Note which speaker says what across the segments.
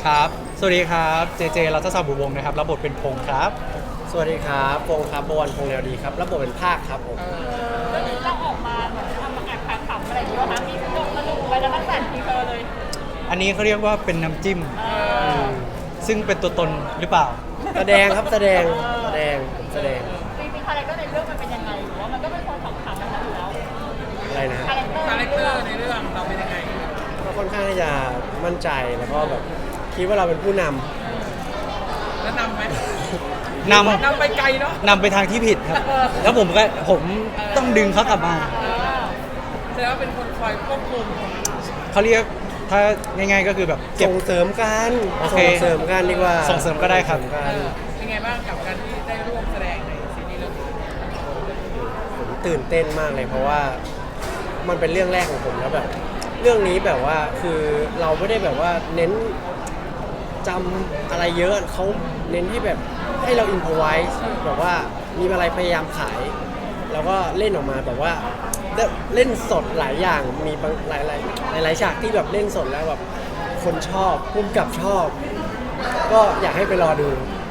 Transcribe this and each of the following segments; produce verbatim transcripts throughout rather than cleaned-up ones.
Speaker 1: ครับสวัสดีครับเจเจรัตศบุวงศ์นะครับรับบทเป็นพงษ์ครับ
Speaker 2: สวัสดีครับพงษ์ครับบวรพงษ์แนวดีครับรับบทเป็นภาคครับผม
Speaker 3: เรื่องนี้เราออกมาเหมือนทำมาแอบขำๆอะไรอย่างเงี้ยนะมีลงมาดูไปแล้วตั้งแต่ทีเธอเลย
Speaker 1: อันนี้เขาเรียกว่าเป็นน้ำจิ้มซึ่งเป็นตัวตนหรือเปล่า
Speaker 2: แสดงครับแสดงแสดงผมแสดง
Speaker 3: จริงๆคาแรคเตอร์ในเรื่องมันเป็นยังไงหรือว่ามันก็เป็นคนขำๆแบบนั้นอยู่แล้ว
Speaker 2: อะไรนะ
Speaker 3: คาแรคเตอร์
Speaker 4: คาแรคเตอร์ในเรื่องเราเป็นยังไง
Speaker 2: ก็ค่อนข้างที่จะมั่นใจแล้วก็แบบคิดว่าเราเป็นผู้น
Speaker 4: ำแล้วนำไหม
Speaker 1: นำ
Speaker 4: นำไปไกลเนาะ
Speaker 1: นำไปทางที่ผิดครับแล้วผมก็ผมต้องดึงเขากลับมา
Speaker 4: แสดงว่าเป็นคนคอยควบคุม
Speaker 1: เขาเรียกถ้าง่ายๆก็คือแบบเก็บ
Speaker 2: ส่งเสริมกันส่งเสริมกันดีกว่า
Speaker 1: ส่งเสริมก็ได้ครับ
Speaker 4: เป็นไงบ้างกับการที่ได้ร่วมแสดงในซีรีส์เรื่องนี้
Speaker 2: ผมตื่นเต้นมากเลยเพราะว่ามันเป็นเรื่องแรกของผมแล้วแบบเรื่องนี้แบบว่าคือเราไม่ได้แบบว่าเน้นจำอะไรเยอะเขาเน้นที่แบบให้เราอินพอไวส์แบบว่ามีอะไรพยายามขายแล้วก็เล่นออกมาแบบว่าเล่นสดหลายอย่างมีบางหลายหลายหลายฉากที่แบบเล่นสดแล้วแบบคนชอบพุ่มกับชอบ ก็อยากให้ไปรอดู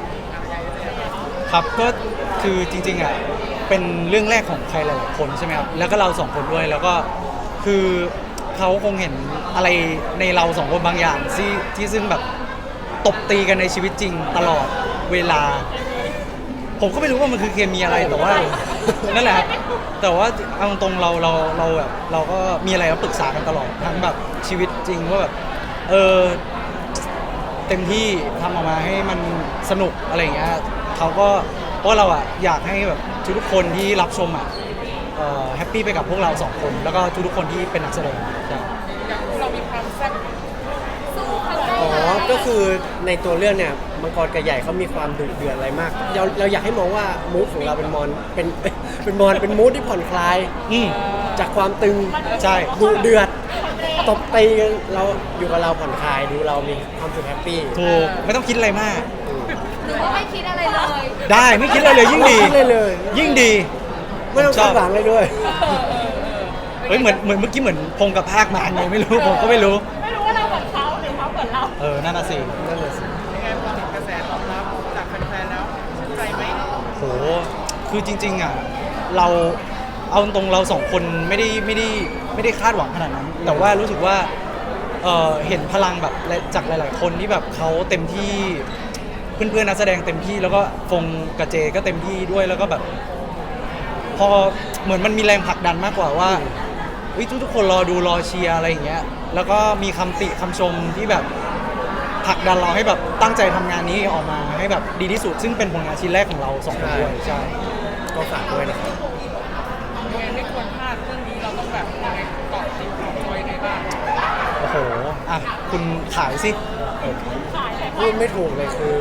Speaker 1: ครับก็คือจริงๆอ่ะเป็นเรื่องแรกของใครหลายๆคนใช่ไหมครับแล้วก็เราสองคนด้วยแล้วก็คือเขาคงเห็นอะไรในเราสองคนบางอย่างที่ที่ซึ่งแบบตบตีกันในชีวิตจริงตลอดเวลาผมก็ไม่รู้ว่ามันคือเคมีอะไรแต่ว่านั่นแหละครับแต่ว่าเอาตรงเราเราเราแบบเราก็มีอะไรก็ปรึกษากันตลอดทั้งแบบชีวิตจริงว่าแบบเออเต็มที่ทำออกมาให้มันสนุกอะไรอย่างเงี้ยเขาก็เพราะเราอ่ะอยากให้แบบทุกคนที่รับชมอ่ะแฮปปี้ไปกับพวกเราสองคนแล้วก็ทุกๆคนที่เป็นนักแสดง
Speaker 4: อย่างพวกเรามีความแซ่บ
Speaker 2: อ๋อก็คือในตัวเรื่องเนี่ยมังกรกับใหญ่เขามีความดุเดือดอะไรมากเราเราอยากให้มองว่ามูดของเราเป็นมอนเป็นเป็นมอนเป็นมูดที่ผ่อนคลายจากความตึง
Speaker 1: ใช่
Speaker 2: ดุเดือดตบตีกันเราอยู่กับเราผ่อนคลายดูเรามีความสุขแฮปปี้
Speaker 1: ถูกไม่ต้องคิดอะไรมาก
Speaker 3: หรือว่าไม่คิดอะไรเลย
Speaker 1: ได้ไม่คิดอะไรเลยยิ่งดี
Speaker 2: เลย
Speaker 1: ยิ่งดี
Speaker 2: ไม่ต้องคาดหวังเลยด้วย
Speaker 1: เฮ้ยเหมือนเหมือนเมื่อกี้เหมือนพงกับภาคมาไงไม่รู้ผมก็ไม่รู้
Speaker 3: ไม่รู้ว่าเราเหมือนเขาหรือเขาเหมือนเรา
Speaker 1: เออนั่นน่ะสิ
Speaker 2: นั่นน่ะสิ
Speaker 4: ยังไงพอเห็นกระแสตอบรับจากแฟนๆแล้วชื่นใจไหม
Speaker 1: โหคือจริงๆอ่ะเราเอาตรงเราสองคนไม่ได้ไม่ได้ไม่ได้คาดหวังขนาดนั้นแต่ว่ารู้สึกว่าเออเห็นพลังแบบจากหลายๆคนที่แบบเขาเต็มที่เพื่อนๆนักแสดงเต็มที่แล้วก็ฟงกับเจก็เต็มที่ด้วยแล้วก็แบบพอเหมือนมันมีแรงผลักดันมากกว่าว่าทุกทุกคนรอดูรอเชียร์อะไรอย่างเงี้ยแล้วก็มีคำติคำชมที่แบบผลักดันเราให้แบบตั้งใจทำงานนี้ออกมาให้แบบดีที่สุดซึ่งเป็นผลงานชิ้นแรกของเราสองคนด้วยใช่
Speaker 2: ก็ฝากด้วยนะครับ
Speaker 4: ยังไงไม่ควรพลาดเรื่องนี้เราต้องแบบยังไงเกาะติดเกาะจอยในบ้าง
Speaker 1: โอ้โหอ่ะคุณขายสิ
Speaker 2: พูดไม่ถูกเลยคือ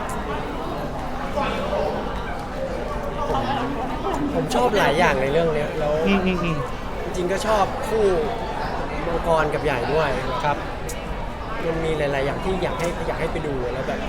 Speaker 2: ผมผมชอบหลายอย่างในเรื่องนี้แล้วจริงๆก็ชอบคู่มังกรกับใหญ่ด้วย
Speaker 1: ครับ
Speaker 2: มันมีหลายๆอย่างที่อยากให้อยากให้ไปดูแล้วแบบ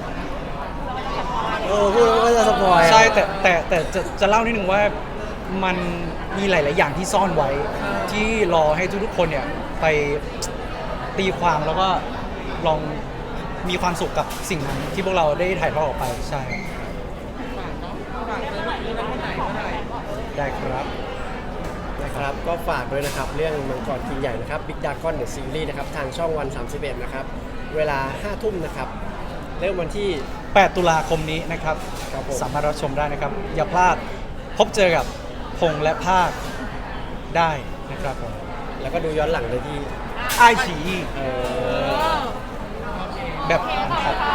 Speaker 2: เออพูดแล้วก็จะสปอย
Speaker 1: ใช่แต่แต่แต่จะจะเล่านิดนึงว่ามันมีหลายๆอย่างที่ซ่อนไว้ที่รอให้ทุกๆคนเนี่ยไปตีความแล้วก็ลองมีความสุขกับสิ่งนั้นที่พวกเราได้ถ่ายทอดออกไปใช่ได้ครับ
Speaker 2: นะครับก็ฝากด้วยนะครับเรื่องมังกรกินใหญ่นะครับ Big Dragon The Series นะครับทางช่องวันสามสิบเอ็ดนะครับเวลาห้าทุ่มนะครับเริ่มวันที่
Speaker 1: แปดตุลาคมนี้นะครับสามารถรับชมได้นะครับอย่าพลาดพบเจอกับพงษ์และภาคได้นะครับผม
Speaker 2: แล้วก็ดูย้อนหลังได้ที่
Speaker 1: ไอฉีแบบ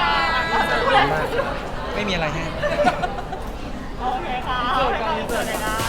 Speaker 1: ไม่มีอะไรให้
Speaker 3: โอเคค่ะ